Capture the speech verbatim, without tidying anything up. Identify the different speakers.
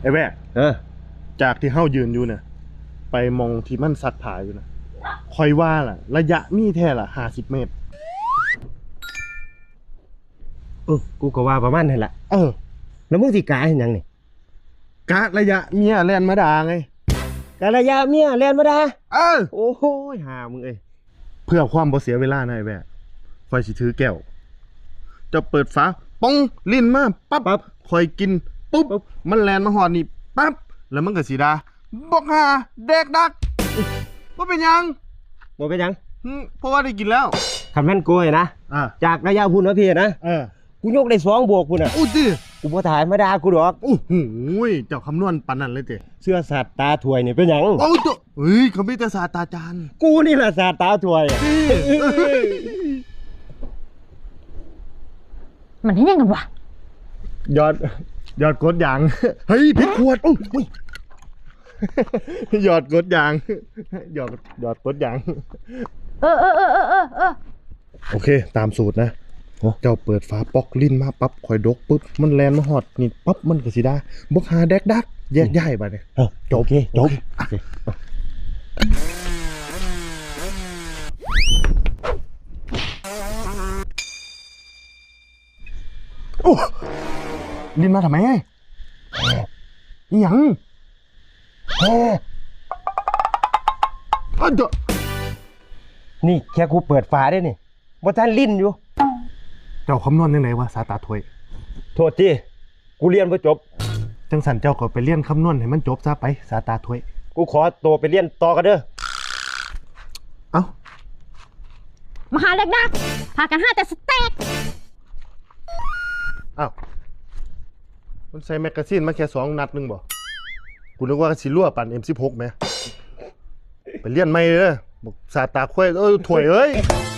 Speaker 1: ไอ้แว่
Speaker 2: เออ
Speaker 1: จากที่เฮายืนอยู่เนี่ยไปมองที่มันสัตว์ผาอยู่นะคอยว่าล่ะระยะมีแท้ล่ะห้าสิบเมตร
Speaker 2: เออกูก็ว่าประมาณนั้นแหละ
Speaker 1: เออ
Speaker 2: แล้วมึงสิกาเห็นยังนี่
Speaker 1: กะระยะเมียแล่นมาด่าไง
Speaker 2: การะยะเมียแล่นมาด่า
Speaker 1: เออ
Speaker 2: โอ้โหหามึงเอ้ย
Speaker 1: เพื่อความบ่เสียเวลานะไอ้แว่คอยสิถือแก้วจะเปิดฝาป้องลิ้นมาปั๊บปั๊บคอยกินปุ๊บมันแล่นมาหอดนี่ปั๊บแล้วมันก็สิด่าบอกหาเด็กดักว่าเป็นยัง
Speaker 2: บ่เป็นยัง
Speaker 1: เพราะว่าได้กินแล้ว
Speaker 2: คำแม่นกูไอ้นะ
Speaker 1: อ่า
Speaker 2: จากระยะพุ่นนะพี่นะ
Speaker 1: เออ
Speaker 2: กูยกได้สองบวกพุ่นอ่ะ
Speaker 1: อู้ดิ
Speaker 2: กูบ่ถ่ายมาด่ากูดอก
Speaker 1: โอ้โหเจ้าคำนวณปานนั้นเลยเจ้
Speaker 2: เสื้อสัตว์ตาถวยนี่เป็นหยัง
Speaker 1: โอ้ตัวเฮ้ยเขามีแต่ศาสตราจารย์
Speaker 2: กูนี่แหละสัตว์ตาถวย
Speaker 3: มันให้ยังกันวะ
Speaker 1: ยอดยอดกดยางเฮ้ยผิดขวดโอ้ยยอดกดยางยอดยอดกดยาง
Speaker 3: เออเออเออเออเออเออ
Speaker 1: โอเคตามสูตรนะเจ้าเปิดฝาปอกลิ้นมาปั๊บคอยดกปุ๊บมันแลนมาหอดนี่ปั๊บมันก็สิได้บกหาแดกดักแยกย้ายไปเนี่ย
Speaker 2: จบโอเคจบ
Speaker 1: โอ้ลิ้นมาทำไมอีหยัง
Speaker 2: โอ้
Speaker 1: อ้าวเจ้า
Speaker 2: นี่แค่กูเปิดฝาได้นี่บ่ทันลิ้นอยู่
Speaker 1: เจ้าคำนวณยังไงวะสาตาถวย
Speaker 2: โทษทีกูเรียนบ่จบ
Speaker 1: จังสันเจ้าก็ไปเรียนคำนวณให้มันจบซะไปสาตาถวย
Speaker 2: กูขอตัวไปเรียนต่อกันเด้อ
Speaker 1: เอ้า
Speaker 3: มาหาเด็กดักพากันห้าแต่สเต็ก
Speaker 1: อ้าวมันใส่แมกกาซีนมาแค่สองนัดนึงบ่กูนึกว่าสิรั่วปั่น เอ็ม สิบหก ไหมไปเรียนไม่เลยบอกสาตาถวยเอ้ยถวยเอ้ย